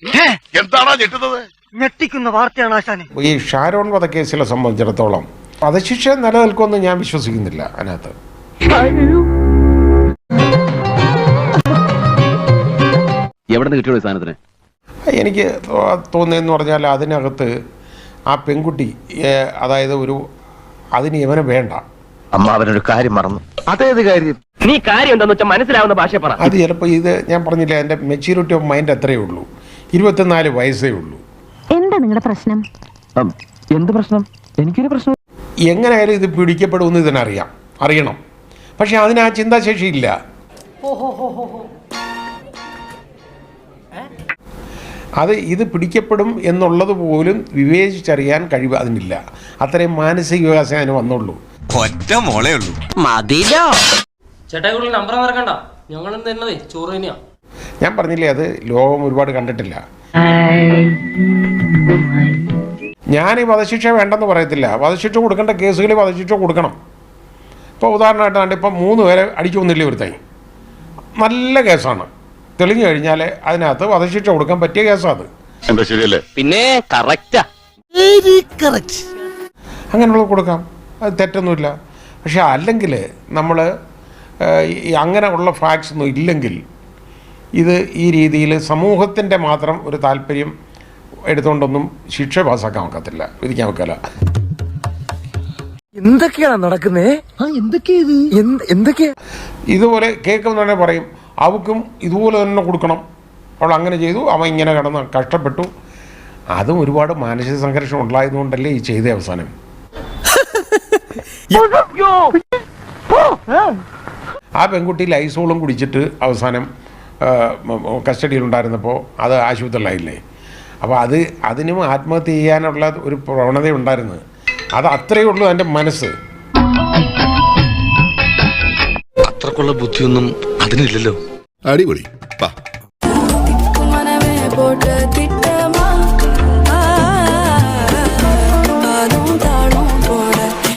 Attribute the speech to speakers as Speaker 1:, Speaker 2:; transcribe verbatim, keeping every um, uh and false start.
Speaker 1: എന്താണോ ഞെട്ടുന്നത്?
Speaker 2: ഞെട്ടിക്കുന്ന വാർത്തയാണ് ആശാനെ.
Speaker 3: ഈ ഷാരോൺ വധക്കേസിലെ സംബന്ധിച്ചിടത്തോളം വധശിക്ഷ നിലനിൽക്കുമെന്ന് ഞാൻ വിശ്വസിക്കുന്നില്ല. അതിനകത്ത്
Speaker 4: എവിടെ നിന്ന് കിട്ടിയോ സാധനത്തിന്?
Speaker 3: എനിക്ക് തോന്നിയെന്ന് പറഞ്ഞാൽ അതിനകത്ത് ആ പെൺകുട്ടി, അതായത് ഒരു അതിന് ഇവന് വേണ്ട.
Speaker 4: അമ്മ അവനൊരു കാര്യം മറന്നു. അതേത് കാര്യം? നീ കാര്യം എന്താന്ന് വെച്ചാൽ മനസ്സിലാവുന്ന ഭാഷ പറ.
Speaker 3: അത് ചിലപ്പോൾ ഇത് ഞാൻ പറഞ്ഞില്ല, എൻ്റെ മെച്യൂരിറ്റി ഓഫ് മൈൻഡ് അത്രയേ ഉള്ളൂ. ഇരുപത്തിനാല് വയസ്സേ ഉള്ളൂ.
Speaker 5: എന്താ നിങ്ങളുടെ പ്രശ്നം?
Speaker 4: എന്ത് പ്രശ്നം? എനിക്കൊരു പ്രശ്നം.
Speaker 3: എങ്ങനെയായാലും ഇത് പിടിക്കപ്പെടുമെന്ന് ഇതിനറിയാം, അറിയണം. പക്ഷെ അതിന് ആ ചിന്താശേഷി ഇല്ല. അത് ഇത് പിടിക്കപ്പെടും എന്നുള്ളത് പോലും വിവേചിച്ചറിയാൻ കഴിവ് അതിനില്ല. അത്രയും മാനസിക വികാസം അതിന് വന്നുള്ളൂ.
Speaker 6: ഒറ്റ മോളേ ഉള്ളൂ.
Speaker 7: മതിലോ
Speaker 8: ചേട്ടാ കൂടുതൽ നമ്പർ മറക്കണ്ട, ഞങ്ങൾ തന്നതേ ചോറ് തന്നെയാ.
Speaker 3: ഞാൻ പറഞ്ഞില്ലേ, അത് ലോകം ഒരുപാട് കണ്ടിട്ടില്ല. ഞാൻ ഈ വധശിക്ഷ വേണ്ടെന്ന് പറയത്തില്ല. വധശിക്ഷ കൊടുക്കേണ്ട കേസുകളിൽ വധശിക്ഷ കൊടുക്കണം. ഇപ്പോൾ ഉദാഹരണമായിട്ടാണ് ഇപ്പം മൂന്ന് പേരെ അടിച്ചു കൊന്നില്ലേ ഒരുത്തായി, നല്ല കേസാണ്. തെളിഞ്ഞു കഴിഞ്ഞാൽ അതിനകത്ത് വധശിക്ഷ കൊടുക്കാൻ പറ്റിയ കേസാണ്.
Speaker 1: എന്താ ശരിയല്ലേ?
Speaker 4: പിന്നെ കറക്റ്റാ,
Speaker 3: അങ്ങനെയുള്ളത് കൊടുക്കാം, അത് തെറ്റൊന്നുമില്ല. പക്ഷെ അല്ലെങ്കിൽ നമ്മൾ അങ്ങനെ ഉള്ള ഫാക്ട്സ് ഒന്നും ഇല്ലെങ്കിൽ ഇത് ഈ രീതിയിൽ സമൂഹത്തിൻ്റെ മാത്രം ഒരു താല്പര്യം എടുത്തുകൊണ്ടൊന്നും ശിക്ഷ പാസ്സാക്കാൻ ഒക്കത്തില്ല, വിധിക്കാൻ വെക്കല.
Speaker 7: എന്തൊക്കെയാണ് നടക്കുന്നേ? എന്തൊക്കെയാ
Speaker 3: ഇതുപോലെ കേൾക്കുന്ന തന്നെ പറയും, അവക്കും ഇതുപോലെ തന്നെ കൊടുക്കണം, അവൾ അങ്ങനെ ചെയ്തു, അവൻ ഇങ്ങനെ കിടന്ന് കഷ്ടപ്പെട്ടു. അതും ഒരുപാട് മാനസിക സംഘർഷം ഉണ്ടായതുകൊണ്ടല്ലേ ഈ ചെയ്ത അവസാനം. ആ പെൺകുട്ടി ലൈസോളും കുടിച്ചിട്ട് അവസാനം കസ്റ്റഡിയിലുണ്ടായിരുന്നപ്പോൾ അത് ആശുപത്രിയിലായില്ലേ. അപ്പോൾ അത് അതിനും ആത്മഹത്യ ചെയ്യാനുള്ള ഒരു പ്രവണത ഉണ്ടായിരുന്നത്. അത് അത്രയേ ഉള്ളൂ എൻ്റെ മനസ്സ്.
Speaker 6: അത്രക്കുള്ള ബുദ്ധിയൊന്നും അതിനില്ലല്ലോ.
Speaker 1: അടിപൊളി.